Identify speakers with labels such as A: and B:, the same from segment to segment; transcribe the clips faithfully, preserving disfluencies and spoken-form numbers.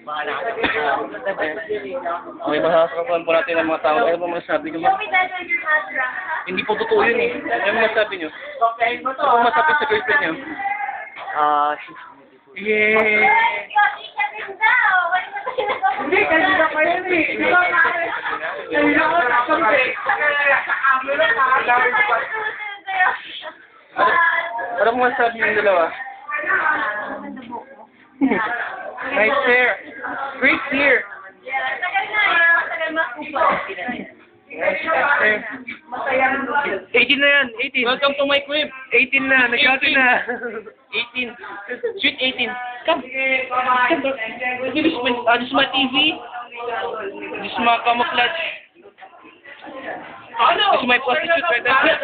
A: Okay, masasakapan po natin ang mga tao. Ano ba masasabi nyo? Hindi po totoo yun eh. Ano ba masasabi nyo? Ano ba masasabi sa girlfriend nyo?
B: Ah,
A: Yeah!
C: Hindi, kanina pa yun eh. Kanina ko nakakampi.
A: Ano, ano mo masasabi yung dalawa? Nice hair! Great hair! Nice hair! eighteen na yan, eighteen. Welcome to my crib. eighteen na, nag-outing na. eighteen. Sweet eighteen. Come. Come. This is my, uh, this is my T V. This is my camouflage. This is my prostitute right there.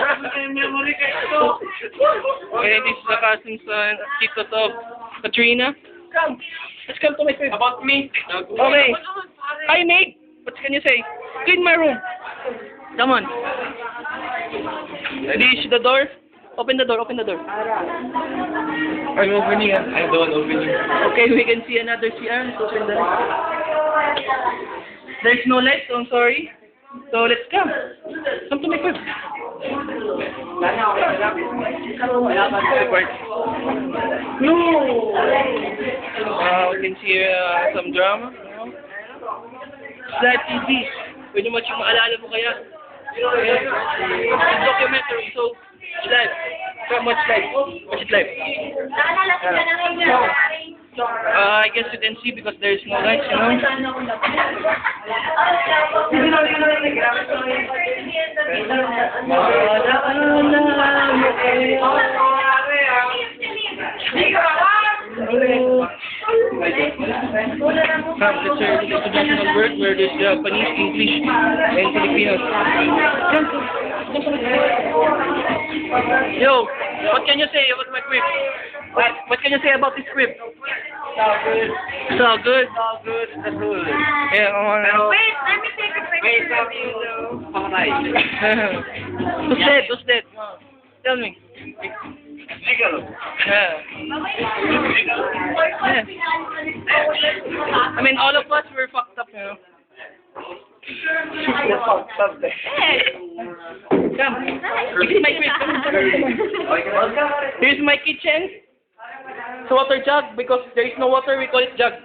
A: Okay, this is the cousin's uh, tito of Katrina. Come. Let's come to my crib. About me. Okay. Hi, Nate. What can you say? Clean my room. Come on. This is the door. Open the door. Open the door. I'm opening. I'm the one opening. Okay, we can see another C R. Let's open the door. There's no light, so I'm sorry. So let's come. Come to my crib. No. Uh, we can see uh, some drama. You know? Sad T V. Pwede mo siyang maalala mo kaya. It's documentary, so it's live. So much live. Watch it live. Uh, I guess you can see because there is no lights, you know. Come, let's hear the traditional word where there's Japanese, English, and Filipino. Come. Yo, what can you say about my crib? What, what can you say about this crib?
B: so good.
A: So good.
B: So good. That's good.
A: Yeah, I want to know.
C: Wait, let me take a picture.
B: Wait, have you know? Pamatay.
A: Who's dead? Who's dead? Tell me.
B: Ikaw.
A: Yeah. Yeah. I mean, all of us were fucked up, you know. Come. This is my crib. Here's my kitchen. It's a water jug because there is no water. We call it jug.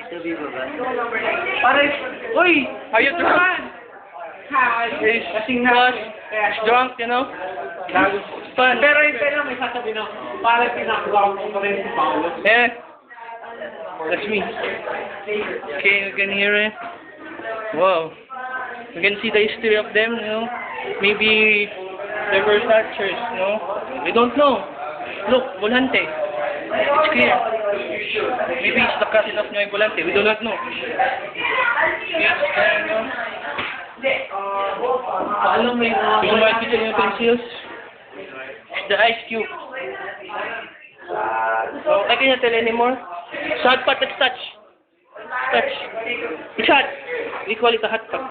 A: Pare, oi, are you drunk? He's flushed. He's drunk, you know. It's fun.
B: Pero yung pero may sasabihin ako, parang pinakawa ko pa rin si Paolo.
A: Yeah. That's me. Okay, you can hear it. Wow. You can see the history of them, you know. Maybe they were archers, you know. We don't know. Look, Volante. It's clear. Maybe it's the cousin of Noy Volante. We do not know. Yes, you know.
B: Paano may mga...
A: Yung mga kitchen utensils. The ice cube. Oh, I cannot tell anymore. So hot pot, let's touch. Touch. It's hot. We call it a hot pot.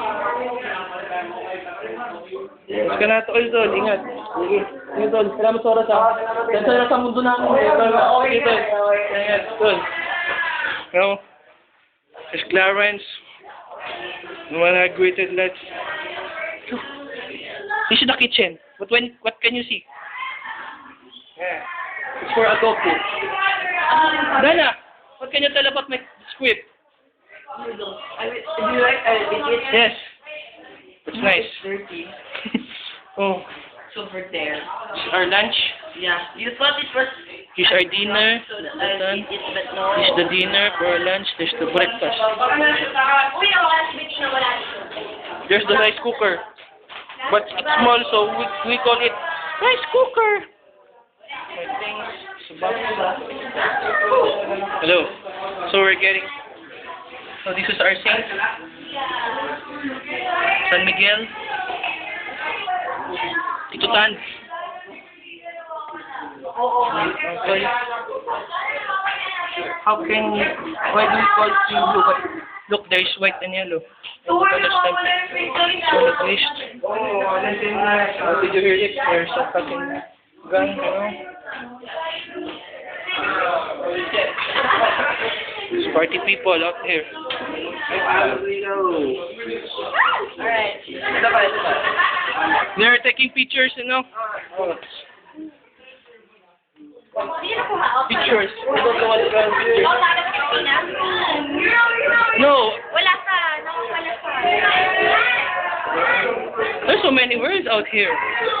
A: Mas ka na ito, Tol. Ingat. Sige. Sige, Tol. Salamat sa oras, ha. Yan sa sa mundo namin. Sige, Tol. Ingat, Tol. You know, there's Clarence. No one had greeted, let's... This is the kitchen. But when, what can you see? Yeah. It's for adobo. Dana, what can you tell about my squid?
B: Do you like uh,
A: Yes. It's nice.
B: dirty?
A: Oh,
B: It's over there.
A: this is our lunch.
B: Yeah. You thought it was...
A: Here's our dinner.
B: So that
A: Well
B: I'll
A: done.
B: eat it, but no.
A: This is the dinner for our lunch. There's the breakfast. There's the rice cooker. But it's small, so we, we call it rice cooker. My things. Hello. So we're getting... So this is our saint. San Miguel. Tito Tan. Okay. How can you... Why do we call it blue? But look, there's white and yellow. I don't understand. So at least... Oh, did you hear it? There's a fucking gun, you know? There's party people out here.
C: Alright.
A: They're taking pictures, you know? Oh. Pictures. We don't know what's going on.
C: Oh, tapos Pilipinas?
A: No,
C: Wala ka. Nakawala ka.
A: there's so many words out here.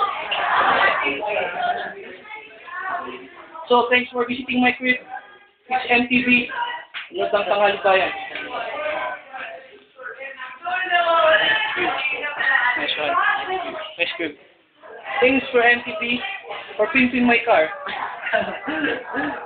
A: So, thanks for visiting my crib. It's M T V. Lutang tanghali bayan. Nice one. Nice crib. Thanks for M T V for pimping my car.